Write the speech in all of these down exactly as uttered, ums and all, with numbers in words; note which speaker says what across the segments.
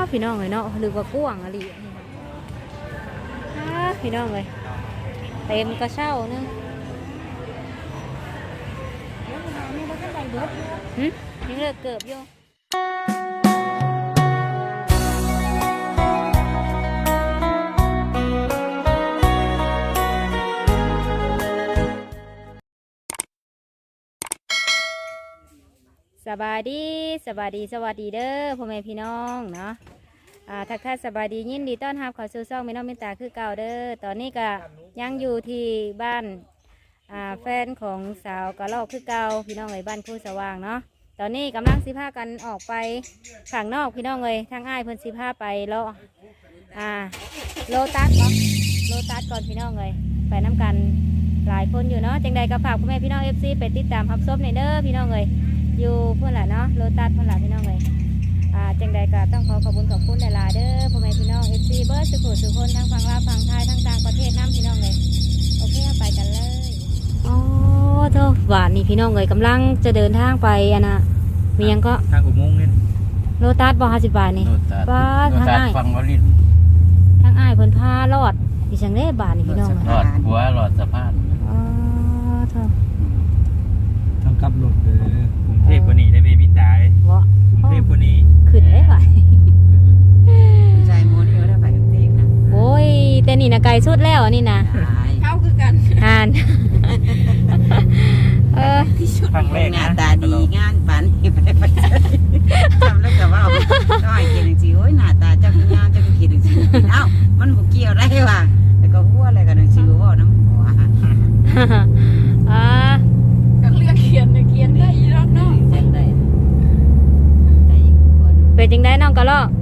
Speaker 1: พี่น้องเลยเนาะหรือว่ากว้างอะไรนี่นะพี่น้องเลยเต็มกระเช้านึงหืมยังเลิกเกือบอยู่สบายดีสบายดีสวัสดีเด้อพ่อแม่พี่น้องเนาะอ่าทักทายสบายดียินดีต้อนรับเข้าสู่ช่องแม่น้องมินตาคือเก่าเด้อตอนนี้ก็ยังอยู่ที่บ้านอ่าแฟนของสาวกะลอกคือเก่าพี่น้องเลยบ้านคู่สว่างเนาะตอนนี้กำลังสิพากันออกไปข้างนอกพี่น้องเลยทางอ้ายเพิ่นสิพาไปเลาะอ่าโลตัสเนาะโลตัสก่อนพี่น้องเลยไปน้ำกันหลายคนอยู่เนาะจังใดก็ฝากพ่อแม่พี่น้องเอฟซีไปติดตามรับชมในเด้อพี่น้องเลยอยู่เพื่อนแหละเนาะโลตัสเพื่อนแหละพี่น้องเลยอ่าจังใดก็ต้องขอขอบคุณขอบคุณหลายๆเด้อพ่อแม่พี่น้องเอฟซีเบิร์ดสุขุสุขคนทั้งฝั่งลาวฝั่งไทยทั้งต่างประเทศน้ำพี่น้องเลยโอเคไปกันเลยอ๋อเท่าหวานนี่พี่น้องเลยกำลังจะเดินทางไปอันน่ะมียังก็
Speaker 2: ทางอุโมงค์นี่
Speaker 1: โลตัสบอห้าสิบบาทนี่บ้าทางอ้าย
Speaker 2: ฟังวลิน
Speaker 1: ทางอ้ายเพิ่นพาลอดดิฉันได้บาทนี่พี่น้อง
Speaker 2: หลอดหัวหลอดสะพาน
Speaker 1: อ๋อเท่า
Speaker 3: ทางกลับรถเลย
Speaker 2: กรุงเทพกว่านี้ได้เบบี้ตายวะกรุงเทพกว่านี้
Speaker 1: ขึ้นได้ไหม
Speaker 4: ใจโมนี่ก็ได้ไปกรุงเทพนะ
Speaker 1: โอ้ยแต่นี่นะไกลสุดแล้วนี่นะ
Speaker 4: เข้าคือกัน
Speaker 1: อ่านเออ
Speaker 2: ครั้งแรก
Speaker 4: หน้าตาดีงานปันไปไปทำแล้วก็ว่าก็ให้กินจริงๆโอ้ยหน้าตาเจ้าคุณย่าเจ้าคุณคิดจริงๆเอ้ามันบุกเกี่ยวได้ว่ะแล้วก็หัวอะไรกันจริงๆว่าน้ำหัว
Speaker 1: อ่า
Speaker 4: ก็เลือกเขียนเขียนได้อีรอบเนาะเขียนได้ได้อีกคน
Speaker 1: เป็นจังได้น้องกะลอก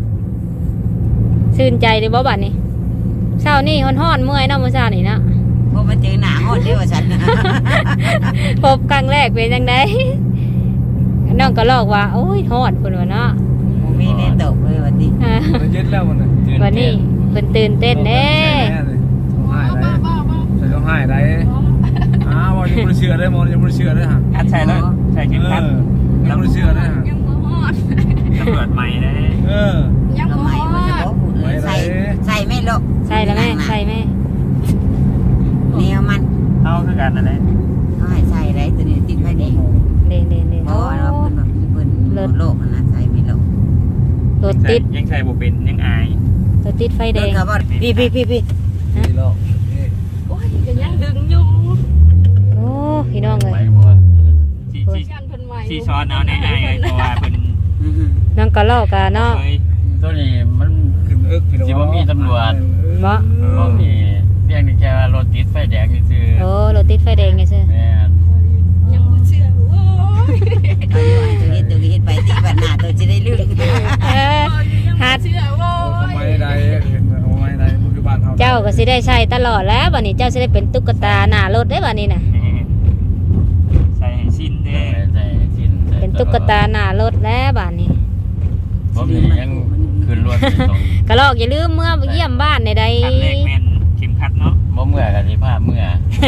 Speaker 1: ชื่นใจเลยบ่บัดนี้เช้านี่ฮ้อนๆเมื่อยเนาะมื้อเช้านี่นะ
Speaker 4: พอมาเจอหน้าฮอดเด้อว่าฉัน
Speaker 1: พบครั้งแรกเป็นจังไดน้องกะลอกว่าโอ้ยฮ้อนพุ่นว่าเนาะ
Speaker 4: บ่มีแน่ตกเลยว่าติ
Speaker 3: มันเย็นแล้วมันน่ะ
Speaker 1: วันนี้เพิ่นตื่นเต้นเด้
Speaker 3: ต้องให้ได้ต้องให้ได้อ้าวยังบ่เชื่อได้มองยังบ่เชื่อได้ฮะ
Speaker 2: คัดใช่แล้วใช่เข้มขัด
Speaker 3: ยังบ่เชื่อได้ฮะ
Speaker 4: ยังบ่ฮอด
Speaker 2: ตำรวจใหม่ได้
Speaker 3: เออ
Speaker 4: ยังบ่ใหม่บ่จะบอกพูดเลยใส่ใส่ไม่ลก
Speaker 1: ใส่แล้วแม่ใส่แม่
Speaker 4: แนวมัน
Speaker 2: เอาคือกันนั่นแหละ
Speaker 4: เขาให้ใส่ได้ตัวนี้ติดไฟแดง
Speaker 1: เด่นเด่นเด่น
Speaker 4: เพราะว่าเพิ่นแบบเพิ่นโลกนะใส่ไม่ลก
Speaker 1: รถติด
Speaker 2: ยังใส่บ่เป็นยังอาย
Speaker 1: รถติดไฟแดง
Speaker 4: พี่พี่พี่พี่
Speaker 3: นี่โลก
Speaker 4: โอ้ยก็ยังดึงอยู่
Speaker 1: โอ้พี่น้องเลย
Speaker 2: ชีชีชีช้อนเอาในอายเพราะว่าเพิ่น
Speaker 1: น้องกะลอกกะเนาะ
Speaker 2: ตัวนี้มัน
Speaker 3: ขึ้นเอิกพี่น้อง
Speaker 2: สิบ่มีตำรวจ
Speaker 1: บ่
Speaker 2: บ่มีเพียงแค่ว่ารถติดไฟแดงซื่อ
Speaker 1: โอ้รถติดไฟแดงซื่อ
Speaker 2: แม่น
Speaker 4: ยังบ่เชื่อโอ้ยตัวเฮ็ดตัวเฮ็ดไปติบัดหน้าตัวสิได้ลืม
Speaker 1: เออหา
Speaker 4: เชื่อโอ้
Speaker 3: ยทำไมได้เห็นเอาไว้ได้ปัจจุบันเฮา
Speaker 1: เจ้าก็สิได้ใช้ตลอดแล้วบัดนี้เจ้าสิได้เป็นตุ๊กตาหน้ารถได้บัดนี้น่ะ
Speaker 2: ใส่ชิ้นเด้ใส่ชิ้น
Speaker 1: เป็นตุ๊กตาหน้ารถแล้วบัดนี้
Speaker 2: บ่มียังขึ้นรถ
Speaker 1: กะลอกอย่าลืมเมื่อเยี่ยมบ้านในใด
Speaker 2: คันแรกแม่นเข็มขัดเนาะบ่เมื่อกันสิพาเมื่อ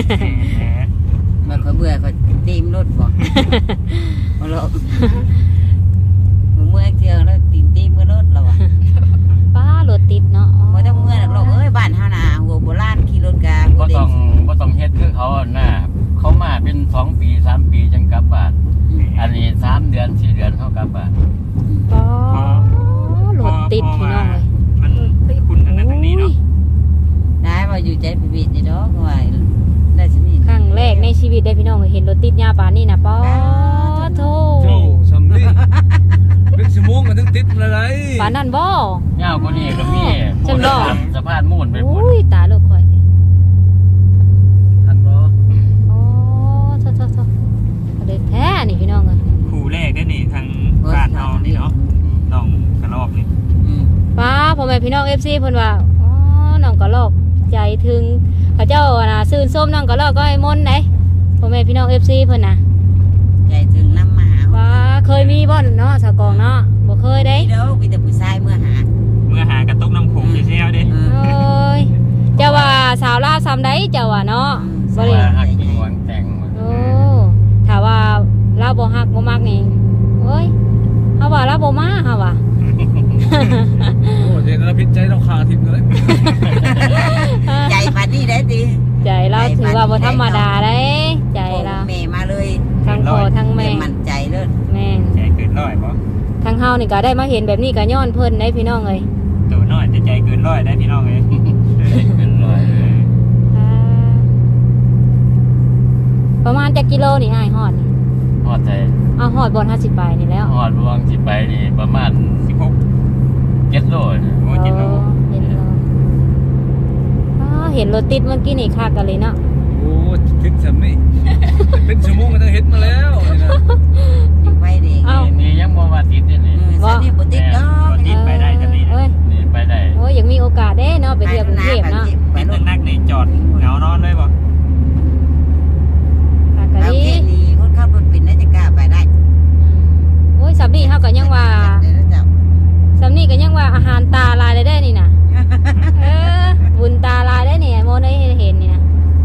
Speaker 4: มันก็เบื่อก็ตีมรถบ่บ่ลอกเมื่อเที่ยงแล้วตีนตีมรถแล้วอ่ะ
Speaker 1: ป้ารถติดเนาะ
Speaker 4: บ่ต้องเมื่อหรอกเอ้ยบ้านเฮาน่ะหัวโบราณขี่รถกา
Speaker 2: บ่ต้องบ่ต้องเฮ็ดคือเขาน่ะเขามาเป็นสองปีสามปีจังกลับบ้านอันนี้สามเดือนสี่เดือนเฮากลับบ้าน
Speaker 1: ป้ารถติดพี่น้องเลย
Speaker 2: มันคุณทางนั้นทางนี้เนาะ
Speaker 4: ได้บ่อยู่ใจปิดๆนี่ดอกว่าได้สินี่
Speaker 1: ครั้งแรกในชีวิตได้พี่น้องเห็นรถติดยาปานนี่นะป้อโธ่
Speaker 3: โธ่สำลีเป็นชั่วโมงก็ถึงติดอะไร
Speaker 1: ปานนั้นบ่
Speaker 2: ยาวกว่านี้ก็มีจังดอกสะพานมูลไปพุ่น
Speaker 1: อุ้ยตาลูกข่อย
Speaker 3: ทันบ่
Speaker 1: โอ้โธ่ๆๆเด็กแท้นี่พี่น้องเอ้ย
Speaker 2: คู่แรกได้นี่ทางบ้านเฮานี่เนาะน้องกระรอกนี่
Speaker 1: ป้าพ่อแม่พี่น้อง เอฟ ซี เพิ่นว่าอ๋อน้องกระรอกใจถึงเขาเจ้าน่ะซื่นส้มน้องกระรอกก็ไอ้มนต์ไหนพ่อแม่พี่น้อง เอฟ ซี เพิ่นน่ะ
Speaker 4: ใจถึงน้ำมาหา
Speaker 1: ป้าเคยมีบ่เนาะสะกองเนาะบ่เคยได้
Speaker 4: เด้อมีแต่ผู้ชายเมื่อหา
Speaker 2: เมื่อหากระตุกน้ำโขงแซ่ๆเด้
Speaker 1: โอ้ยเจ้าว่าสาวลาวซ้ำใดเจ้าว่าเนาะ
Speaker 2: บ่ได้ฮักหวงแต่ง
Speaker 1: โอ้ถ้าว่าลาวบ่ฮักบ่มักนี่โอ้ยเฮาว่าลาวบ่มาเฮาว่า
Speaker 3: โอ้เจนแล้วพิษใจเราขาทิพย์เลย
Speaker 4: ใจพันนี่ได้ดิ
Speaker 1: ใจเราถือว่าบ่ธรรมดาได้ใจเรา
Speaker 4: แม่มาเลย
Speaker 1: ทั้งพ่อทั้งแม่
Speaker 4: มั่นใจเลย
Speaker 1: แม่น
Speaker 5: ใจเกินร้อยบ่
Speaker 1: ทั้งเฮานี่ก็ได้มาเห็นแบบนี้ก็ย้อนเพิ่นได้พี่น้องเอ้ย
Speaker 5: ตัวน้อยแต่ใจเกินร้อยได้พี่น้องเอ้ย
Speaker 2: เป็นร้อยเลย
Speaker 1: อ่าประมาณจักกิโลนี่อ้ายฮอดนี่
Speaker 2: ฮอดใจ
Speaker 1: เอาฮอดบ่ห้าสิบไปนี่แล้ว
Speaker 2: ฮอดรวงสิไปนี่ประมาณ
Speaker 5: สิบหก
Speaker 2: เจ็ดโลนี่
Speaker 5: โอ้เจ็ดโล
Speaker 1: เห็นแล้วอ๋อเห็นรถติดเมื่อกี้นี่คักกันเลยเนาะ
Speaker 3: โอ้คิดสำนี่เป็นชั่วโมงก็ต้องเห็นมาแล้วนี่นะ
Speaker 4: ไว้เด็ก
Speaker 1: เอ้า
Speaker 2: นี่ยังบ่มาติดนี่นี่
Speaker 4: สันนี่บุติดดอก
Speaker 5: ติดไปได้จะนี่
Speaker 1: เอ้ย
Speaker 2: นี่ไปได้
Speaker 1: โอ้ยยังมีโอกาสเด้เนาะไปเที่ยวกรุงเทพเนาะ
Speaker 4: ไป
Speaker 5: ติด
Speaker 4: รถ
Speaker 5: นักๆนี่จอดเหงานอนเลยบ่
Speaker 1: คักกัน
Speaker 4: เอา
Speaker 1: ดี
Speaker 4: แค่นี้คนขับรถเป็นได้จะกล้าไปได้
Speaker 1: โอ้ยสำนี่เฮาก็ยังว่า
Speaker 4: ได้แล้วเจ้า
Speaker 1: สำนี่ก็ยังว่าอาหารตาลายเลยได้นี่นะเออบุญตาลายได้นี่โมได้เห็นนี่นะ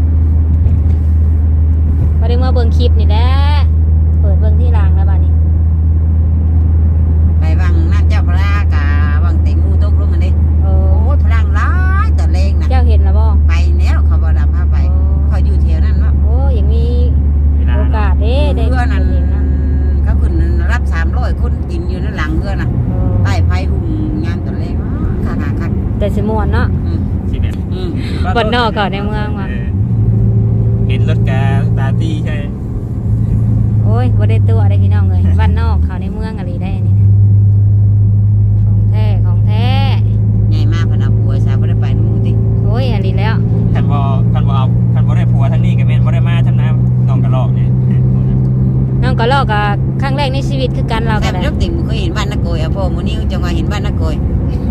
Speaker 1: ก็ได้มาเบิ่งคลิปนี่แหละเปิดเบิ่งที่รางแล้วบ้านี้
Speaker 4: ไปวังน้ำเจ้าพระกาวังเต็งมูตกลงกันดิ
Speaker 1: โอ้
Speaker 4: โอ้พลังร้ายตอนแรงนะ
Speaker 1: เจ้าเห็นแล้วบ่
Speaker 4: ไปแล้วเขาบอกดับพาไปเขาอยู่แถวนั้นว่า
Speaker 1: โอ้ยังมี
Speaker 5: เวลา
Speaker 1: โอกาสเด้ได้
Speaker 4: เพื่อนั้น
Speaker 1: เห็นเนาะ
Speaker 4: เขาขึ้นรับสามร้อยคนกินอยู่นั่นหลังเพื่อน่ะ
Speaker 1: โอ้
Speaker 4: ใต้ไฟหุ่มงานตอนแรงคักคักคัก
Speaker 1: แต่สมวนเนาะ
Speaker 4: อืม
Speaker 5: สิแบบ
Speaker 4: อืม
Speaker 1: บนนอกก่อนในเมืองว่ะ
Speaker 5: เออเห็นรถกาตาตี้ใช่
Speaker 1: โอ้ยบ่ได้ตัวได้พี่น้องเลยบ้านนอกเขาในเมืองอะไรได้อันนี่นะของแท้ของแท้
Speaker 4: ใหญ่มากพนักบัวสาวไม่ได้ไปนู่นดิ
Speaker 1: โอ้ยอันนี้แล้ว
Speaker 5: คันบ่คันบ่เอาคันบ่ได้ผัวทั้งนี้ก็แม่นบ่ได้มาทั้งน้ำน้องกระลอกนี่
Speaker 1: น้องก็ลอกกับครั้งแรกในชีวิตคือกันเรา
Speaker 4: แต่
Speaker 1: ก็ได้
Speaker 4: ลูกติ่งเคยเห็นบ้านนักโกยอ่ะพ่อมูนิ้วจังหวะเห็นบ้านนักโกย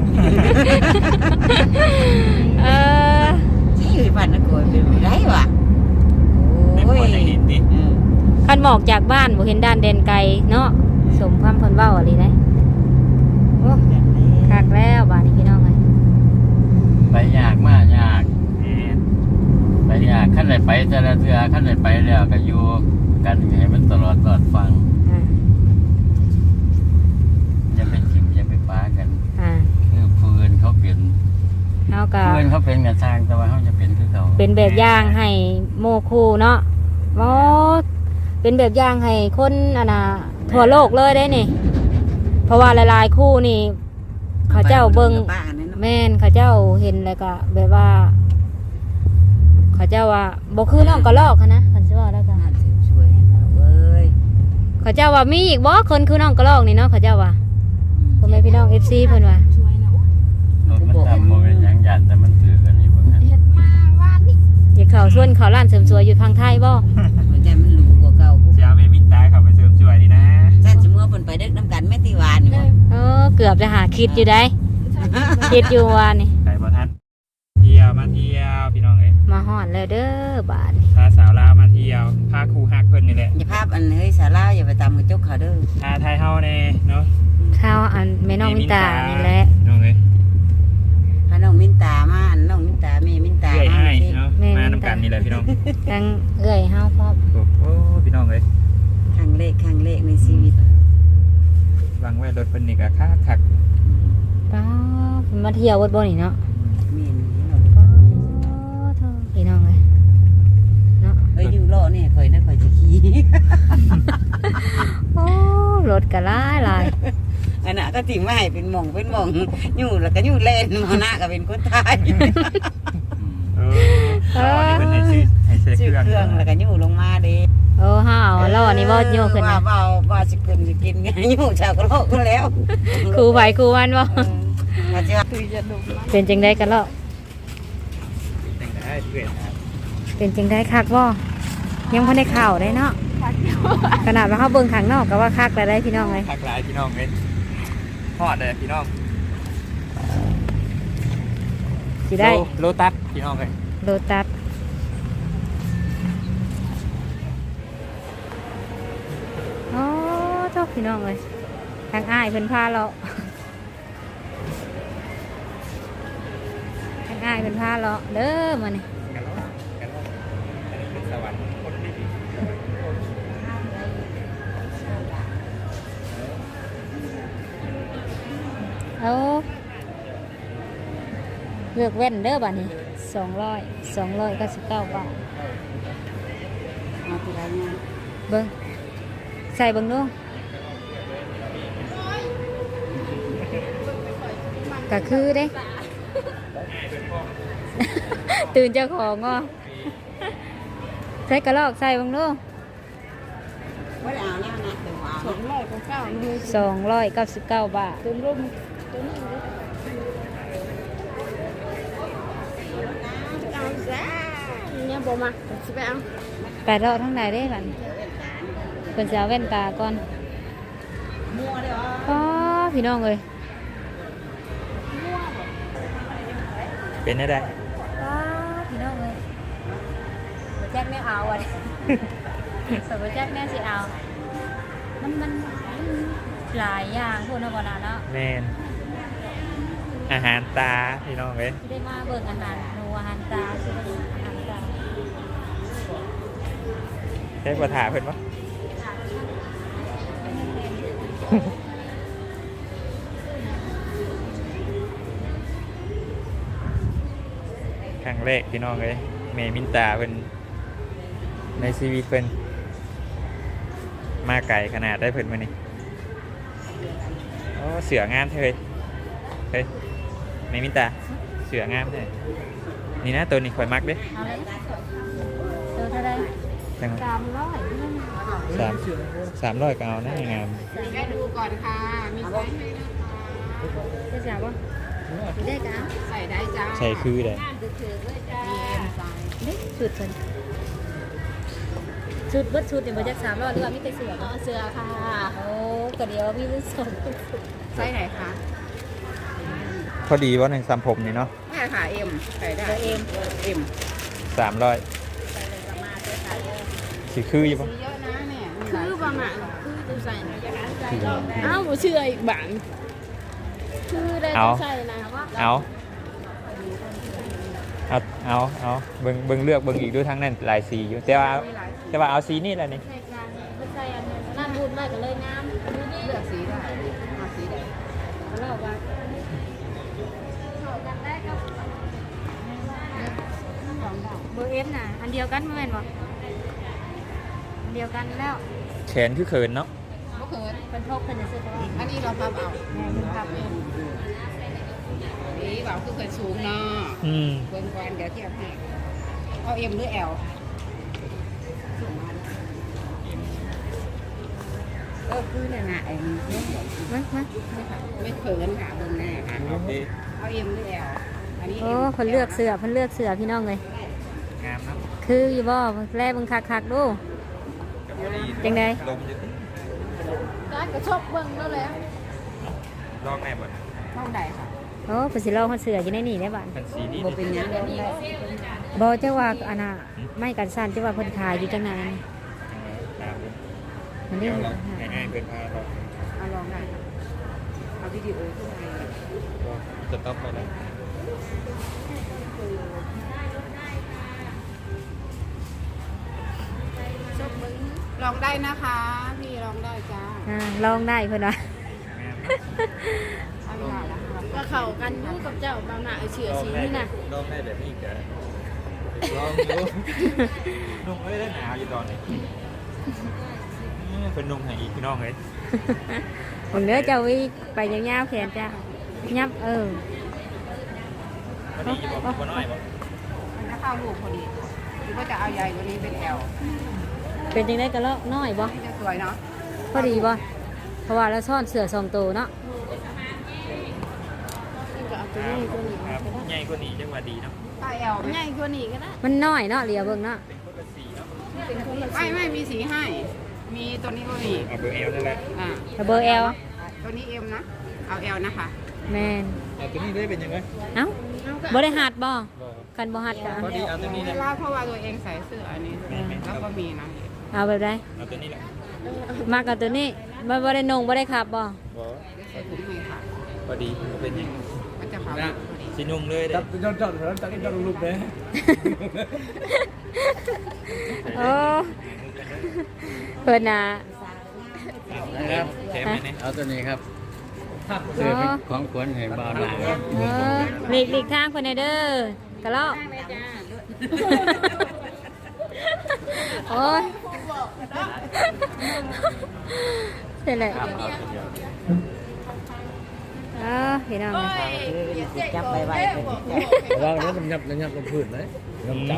Speaker 1: เออ
Speaker 4: ใช่บ้านนักโกยเป็นไรวะ
Speaker 5: ได้
Speaker 4: โอ้
Speaker 5: ผัวย ได้เห็นดิ
Speaker 4: อืม
Speaker 1: คันหมอกจากบ้านบ่เห็นด้านแดนไกลเนาะสมความเพิ่นเว้าอะไรได้โอ้คักแล้วบ้านนี้พี่น้องเอ้ย
Speaker 2: ไปยากมากยาก
Speaker 5: แม่น
Speaker 2: ไปยากขั้นไหนไปแต่ละเทือขั้นไหนไปแล้วก็อยู่กันให้มันตลอดตลอดฟัง
Speaker 1: อ่า
Speaker 2: อย่าไปจิ้มอย่าไปป้ากัน
Speaker 1: อ่า
Speaker 2: คือฟืนเขาเปลี่ยน
Speaker 1: เฮาก็
Speaker 2: ฟืนเขาเป็นกันสร้างแต่ว่าเขาจะเป็นคือเขา
Speaker 1: เป็นแบบอย่างให้โมคูเนาะโอ้เป็นแบบอย่างให้คนอันน่ะทั่วโลกเลยได้นี่ เพราะว่าหลายๆคู่นี่ เขาเจ้าเบิ่ง
Speaker 4: บ้านนั่นเนาะ
Speaker 1: แม่นเขาเจ้าเห็นแล้วก็แบบว่า เขาเจ้าว่าบ่คือน้องกระลอกหั้นนะคันสิว่าแล้วก็
Speaker 4: น่าเสริมสวยนะเว้ย
Speaker 1: เขาเจ้าว่ามีอีกบ่คนคือน้องกระลอกนี่เนาะเขาเจ้าว่าพ่อแม่พี่น้อง เอฟ ซี เพิ่นว่า
Speaker 2: รถมันตามโมเป็นหยังยันแต่มันถือกันนี่เบิ่งฮะ
Speaker 1: อยากเข้าส่วนเขาร้านเสริมสวยอยู่ทางไทยบ่
Speaker 4: หัวใจมันหลูกว่าเก่า
Speaker 5: เจ้าแม่มินตาเข้าไปเสริมสวยนี่นะ
Speaker 4: แซ่บสมมติว่าเพิ่นไปเด็กน้ำกันแม่ตีวานนี่บ่
Speaker 1: เออเกือบจะหาคิดอยู่ได้คิดอยู่ว่านี่
Speaker 5: ไปบ่ทันเที่ยวมาเที่ยวพี่น้องเอ้ย
Speaker 1: มาฮอดแล้วเด้อบาดนี้
Speaker 5: พาสาวลาวมาเที่ยวพาครูฮักเพิ่นนี่แหละ
Speaker 4: อย่าภาพอันเฮ้ยสาราอย่าไปตามกระจกเขาเด้อ
Speaker 5: พาไทยเฮาแน่เนาะ
Speaker 1: ข้าวอันแม่น้องมินตานี่แหละ
Speaker 5: น้องเอ้ย
Speaker 4: พาน้องมินตามาอันน้องมินตาแม่มินตา
Speaker 5: เอื้อย
Speaker 4: มา
Speaker 5: ให้
Speaker 4: สิ
Speaker 5: เนาะมานำกันนี่แหละพี่น้อง
Speaker 1: ทั้งเอื้อยเฮาพร้อม
Speaker 5: โอ้โหพี่น้องเอ้ย
Speaker 4: ครั้งแรกครั้งแรกในชีวิต
Speaker 5: วางไว้รถเพิ่นนี่ก็คักคัก
Speaker 1: ป้าเพิ่นมาเที่ยววัดบ่นี่เนาะ
Speaker 4: เมียนนี่เรา
Speaker 1: ป้าเท่าพี่น้องเลยเนาะ
Speaker 4: เอ้ยอยู่รอเนี่ยข่อยนะข่อยจะขี่
Speaker 1: โอ้รถก็หลายหลาย
Speaker 4: อันน่ะก็ถิ่มมาให้เป็นหม่องเป็นหม่องอยู่แล้วก็อยู่เล่นมาหน้าก็เป็นคนไทย
Speaker 5: เออเอาอันนี้เพิ่นให้ซื้อให้ซื้อ
Speaker 4: ชื่อ
Speaker 5: เครื่อง
Speaker 4: เครื่องแล้วก็อยู่ลงมาเด้
Speaker 1: โอ้ห้าวแล้วอันนี้บ่โยกขึ้น
Speaker 4: ว่า
Speaker 1: นะ
Speaker 4: เบาว่าสิกินสิกินไงอยู่ชาวกะโลกก็แล้ว
Speaker 1: ครูไผครูวันบ่
Speaker 4: เออว่าจะคุยจะดู
Speaker 1: เป็นจังไดกันแล้ว
Speaker 5: แต่งได้เพื่อนครับ
Speaker 1: เป็นจังไดคักบ่ยังบ่ได้ข่าวได้เนาะขนาดว่าเฮาเบิ่งข้างนอกก็ว่าคักแล้วได้พี่น้องเลย
Speaker 5: คักหลายพี่น้องเอ้ยฮอดเลยพี่น้อง
Speaker 1: สิได้
Speaker 5: โลตัสพี่น้องเอ้ย
Speaker 1: โลตัสโอ้เจ้าพี่น้องเลยทางอ้ายเพิ่นพาเราทางอ้ายเพิ่นพาเราเด้อมานี่
Speaker 5: กันแล้วกันแล้วอันนี้เป็นสวรรค์คนดี
Speaker 1: เอาเลือกแว่นเด้อบัดนี้สองร้อยสองร้อยเก้าสิบเก้าบาท
Speaker 4: มาทีไรเนี่ย
Speaker 1: เบิ้งใส่เบิ้งดูก็คือเด้ ตื่นเจ้าของอ่ะใส่กระลอกใส่เบิ้งดู
Speaker 4: ไม่ได้เอาเนี่ยนะเดี๋ยวเอา
Speaker 6: สองร้อยเก้าเลย
Speaker 1: สองร้อยเก้าสิบเก้าบาท
Speaker 6: เต็มร่มตัวนี้เอาซะเนี่ยบอกมาสิไปเอา
Speaker 1: ไปรอทั้งไหนได้บัดนี้เป็นสาวแว่นตาก่อน
Speaker 4: มัวเดี๋ยว
Speaker 1: อ๋อพี่น้องเอ้ย
Speaker 5: เป็นได้ได้
Speaker 1: อ๋อพี่น้องเอ้ยบ่แจ็คไม่เอาอ่ะ สาวบ่แจ็คแม่สิเอา มันมันมันหลายอย่างพวกนั้นบ่น่ะเนาะ
Speaker 5: แม่นอาหารตาพี่น้องเอ้ย
Speaker 1: ที่ได้มาเบิ่งอาหารหนูอาหารตาคืออาหารตา
Speaker 5: ได้บ่ถาเพิ่นบ่ ครั้งแรกพี่น้องเอ้ยแม่มินตาเพิ่นในชีวิตเพิ่นมาไกลขนาดได้เพิ่นมื้อนี้โอ้เสืองามเท่เฮ้ยเฮ้ยแม่มินตาเสืองามเท่นี่นะตัวนี้ข่อยมักเด้
Speaker 1: เอาเลยเจอเท่าใด
Speaker 5: จัง
Speaker 1: สามร้อย
Speaker 5: สามสามร้อยก็เอานะงาม
Speaker 6: แม่ดูก่อนค่ะมีไซส์ให้นะคะ
Speaker 1: จะจับบ่ได้กะ
Speaker 6: ใส่ได้จ้า
Speaker 5: ใส่คือได้
Speaker 6: ถือเลยจ้ามีเอ็มไซส์
Speaker 1: เด้ชุดเพิ่นชุดเบิดชุดนี่บ่จักสามร้อยหรือว่ามีแต่เสื้อบ่
Speaker 6: เสื้อค่ะ
Speaker 1: โอ้ก็เดี๋ยวมีแต่สอง
Speaker 6: ไซส์ไหนคะ
Speaker 5: พอดีว่าในสัมผมนี่เนาะ
Speaker 6: แม่ค่ะเอ็มใส่ได้
Speaker 1: เบอร์เอ็ม
Speaker 6: เอ็ม
Speaker 5: สามร้อยสีคืออยู่ปะ
Speaker 6: เยอะนะเนี่ยคือบางอ่ะคือตัวใส่อ้าวเชื่ออีกบางคือได้ตัวใส่นะว่า
Speaker 5: เอาเอาเอาเอาเบิ่งเบิ่งเลือกเบิ่งอีกด้วยทั้งนั้นหลายสีอยู่แต่ว่าแต่ว่าเอาสีนี่แหละนี่
Speaker 1: ใส่กันบ่ใส่อันนั้นนั่นพูดไว้ก็เลยงามดูนี่
Speaker 6: เลือกสีได้เอาสีไหน
Speaker 1: เราว่าเบอร์เอ็มน่ะอันเดียวกันบ่แม่นบ่อันเดียวกันแล้ว
Speaker 5: แขนคือเขินเนาะ
Speaker 6: ก็คือ
Speaker 1: เป็นพกเพิ่นจะซื้อเพราะว่า
Speaker 6: อันนี้เราพับเอา
Speaker 1: แม่มันพับเอง
Speaker 6: นี่แบบคือเคยสูงเนาะ
Speaker 5: อืม
Speaker 6: เบิ่งก่อนเดี๋ยวเทียบให้เอาเอ็มหรือแอล
Speaker 4: เออคือเนี่ยนะไอ้เนี่ย
Speaker 1: มามา
Speaker 6: ไม่เขินค่ะเบิ่งแน่ค่ะ
Speaker 5: โอเค
Speaker 6: เอาเอ็มหรือแอลอันนี้
Speaker 1: โอ้เพิ่นเลือกเสื้อเพิ่นเลือกเสื้อพี่น้องเลย
Speaker 5: งามเนาะ
Speaker 1: คืออยู่บ่แลเบิ่งคักๆดูจังได๋
Speaker 5: ลมอยู่
Speaker 6: ร้านกระชบเบิ่งแล้วแล้ว
Speaker 5: ลองแน่บ่
Speaker 6: ห้องใดค่ะ
Speaker 1: โอ้เพิ่นสิลองเพิ่นเสื้ออยู่ในนี่ได้บ้าน
Speaker 5: เป็นสีนี้
Speaker 4: บ่เป็นหยังเลย
Speaker 1: บ่เจ้าว่าอันน่ะไม่กันสั่นเจ้าว่าเพิ่นขายอยู่จังไหน
Speaker 5: ครับ
Speaker 1: มันนี่
Speaker 5: ง่ายๆเพิ่นพาเรา
Speaker 4: เอาลองได้ค่ะเอาวิดีโอขึ้นมา
Speaker 5: จะต้องไปแล้ว
Speaker 6: ชบเบิ่งลองได้นะคะพี่ลองได้จ้า
Speaker 1: อ่าลองได้เพิ่นว่า
Speaker 5: งาม
Speaker 6: เอาเวลาละก็เข้ากันอยู่กับเจ้าบางหน้าเชื่อสีนี่นะ
Speaker 5: ลองได้แบบนี้ก็ลองดูนุ่งเอ้ยได้หนาวอยู่ตอนนี้เป็นนุ่งให้อีกพี่น้องเลย
Speaker 1: ผมเด้อเจ้าวิไปยาวๆแขนจ้ายับเออ
Speaker 5: พอดีบ่บ่น้อยบ่
Speaker 6: มันจะเข้าลูกพอดีหรือว่าจะเอาใหญ่กว่านี้เป็นแอล
Speaker 1: เป็นจังได๋ก็เลาะน้อยบ่
Speaker 6: จะสวยเนาะ
Speaker 1: พอดีบ่เพราะว่าเราซ่อนเสื้อสองตัวเนาะ
Speaker 6: ก็เอาตัวนี้ตัวนี้
Speaker 5: ครับใหญ่กว่านี้จังว่าดีเนาะ
Speaker 6: ป้าแอลใหญ่กว่านี้ก็ได้
Speaker 1: มันน้อยเนาะเหลียวเบิ่งเนาะ
Speaker 5: เป็นคนละสีเนาะ
Speaker 6: ไม่ไม่มีสีให้ มีตัวนี้ก็มี
Speaker 5: เอาเบอร์เอลนั่นแหละ
Speaker 6: อ่า
Speaker 1: แต่เบอร์ L
Speaker 6: ตัวนี้เอ็มนะ เอาแอลนะคะ
Speaker 1: แม่น
Speaker 5: เอาตัวนี้ได้เป็นยังไง
Speaker 1: เอ้าบ่ได้หัดบ่
Speaker 5: บ่
Speaker 1: กันบ่หัดก็
Speaker 5: พอดีเอาตัวนี้
Speaker 6: เว
Speaker 5: นะ
Speaker 6: ลาเพราะว่าตัวเองใส่เสื้ออันนี้แล้วก็มีนะ
Speaker 1: เอาแบบใด
Speaker 5: เอาตัวนี้แหละ
Speaker 1: มากับตัวนี้บ่บ่ได้นงบ่ได้ขับบ่
Speaker 5: บ่
Speaker 6: ใส่ถุงให้ค่ะ
Speaker 5: พอดีเป็นยัง
Speaker 6: มันจะขาวพอดี
Speaker 5: สีนุ่งเลยเด้
Speaker 3: จับจอดจอดแล้วจับจอดลูกเลย
Speaker 1: โอ้เพิ่นน่ะ
Speaker 5: ครับแถมไหมเนี่ย
Speaker 2: เอาตัวนี้ครับเสื้อเป็นของขวัญให้บ่าวหลาน
Speaker 1: เออหลีกหลีกทางคนเด้อกะเลาะโอ้ยเสร็จแล้ว
Speaker 2: ครับเอาเดี๋ยว
Speaker 1: เออพี่น้อง
Speaker 4: จับใบใบ
Speaker 3: ระวังนะมันยับมันยับลงพื้นเลยน้ำจับ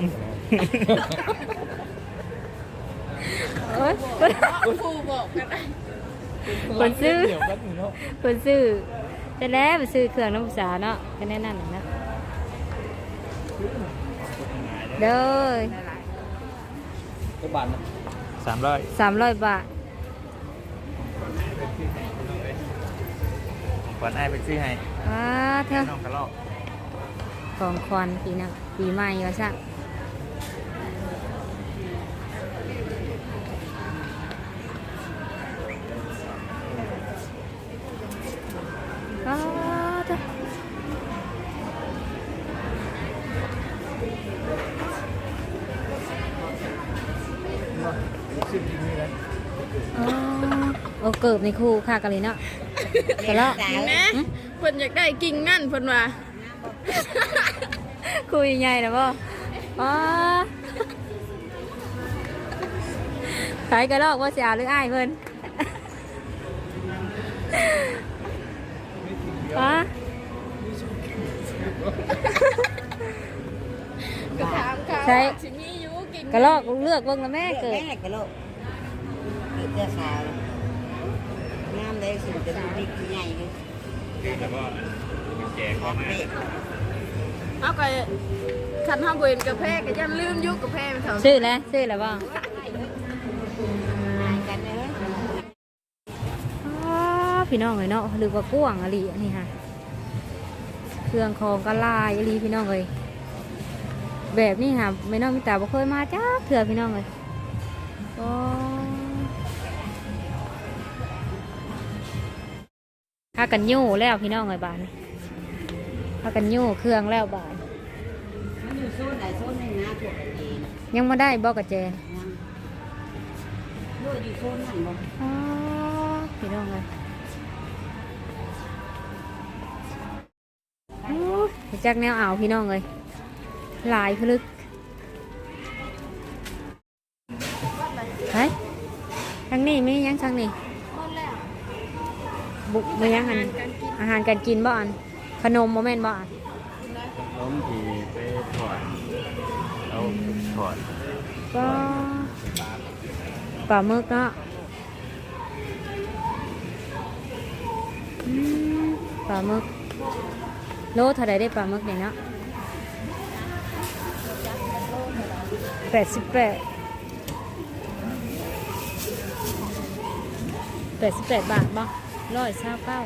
Speaker 1: โอ้ย
Speaker 6: ครูบอกกันได้
Speaker 1: คนซื้อ
Speaker 3: เดี๋ยวแป๊บนึงเนาะ
Speaker 1: คนซื้อแต่แล้วไปซื้อเครื่องน้ำสาเนาะก็แน่นั่นน่ะเนาะเด้อ
Speaker 3: ก็บานนะ
Speaker 5: สามร้อย
Speaker 1: สามร้อยบาท
Speaker 5: ขวัญไอ้ายไปซื้อให้
Speaker 1: อ้าเธอ
Speaker 5: น้องกระลอก
Speaker 1: ของควันปีน่ะปีใหม่ก็ช่างอ้าเธออ๋อโอ้เกิบในคู่ค่ะกันเลยเนาะแต่แล้ว
Speaker 6: นะเพิ่นอยากได้กิ่งนั่นเพิ่นว่า
Speaker 1: คุยใหญ่นะพ่ออ๋อขายกระลอกว่าเสียหรืออ้ายเพิ่นอ๋อ
Speaker 6: ก็ถามเขา
Speaker 1: ใช่
Speaker 6: สิมีอยู่กิ่ง
Speaker 1: กระลอกเลือกเบิ่งแล้วแม่เกิด
Speaker 4: แม่กะโลกเกิดเจ้าสาวงามเลยสิจะดูดีใหญ่เลย
Speaker 5: แล้วก็แจกเข้ามา
Speaker 6: เอาก็คันเฮาบ่เห็นกาแฟก็ยันลืมอยู่กาแฟมันเท่า
Speaker 1: ซื้อแล้วซื้อแล้วบ่
Speaker 4: กันเลย
Speaker 1: อ๋อพี่น้องเลยเนาะหรือว่ากว้างอะไรอันนี้ค่ะเครื่องของกะลายอะไรพี่น้องเลยแบบนี้ค่ะไม่น้องมิตาบ่เคยมาจ้าเถื่อพี่น้องเลยอ๋อพากันยู่แล้วพี่น้องเลยบานพากันยู่เครื่องแล้วบาน
Speaker 4: มันอยู่โซนไหนโซนหนึ่งนะพวกเอง
Speaker 1: ยังไม่ได้บอกกับแจน
Speaker 4: ด้วยอยู่โซนนั่นบ่
Speaker 1: อ๋อพี่น้องเลยโอ้ยจักแนวอ่าวพี่น้องเลยหลายพลึกไปทางนี้มียังทางนี้
Speaker 6: หมดแล้ว
Speaker 1: บุกมียังอันอาหารการกินบ่อันขนมโมเมนต์บ่อัน
Speaker 2: ล้มทีไปถอดเอาถอด
Speaker 1: ก็ปลาหมึกเนาะอืมปลาหมึกโลเท่าไรได้ปลาหมึกเนี่ยเนาะแปดสิบแปดแปดสิบแปดบาทบ่ร้อยเศร้าเก้า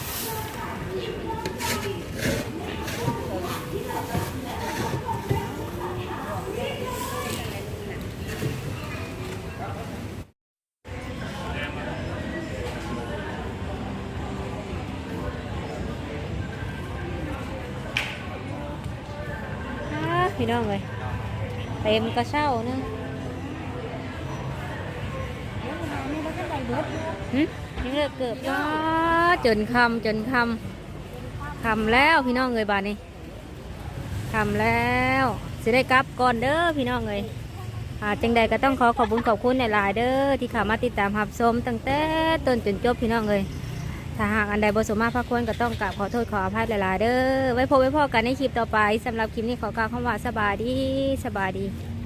Speaker 1: พี่น้องเลยเต็มกระเช้าเนึงหึยังเลิกเกือบก็จนคำจนคำคำแล้วพี่น้องเลยบาดนี้คำแล้วสิได้กลับก่อนเด้อพี่น้องเลยอ่าจังใดก็ต้องขอขอบคุณขอบคุณในหลายๆเด้อที่เข้ามาติดตามรับชมตั้งแต่ต้นจนจบพี่น้องเลยถ้าหากอันใดบ่สมมาพระควรก็ต้องกราบขอโทษขออภัยหลายๆเด้อไว้พบไว้พอกันในคลิปต่อไปสำหรับคลิปนี้ขอกล่าวคำว่าสบายดีสบายดี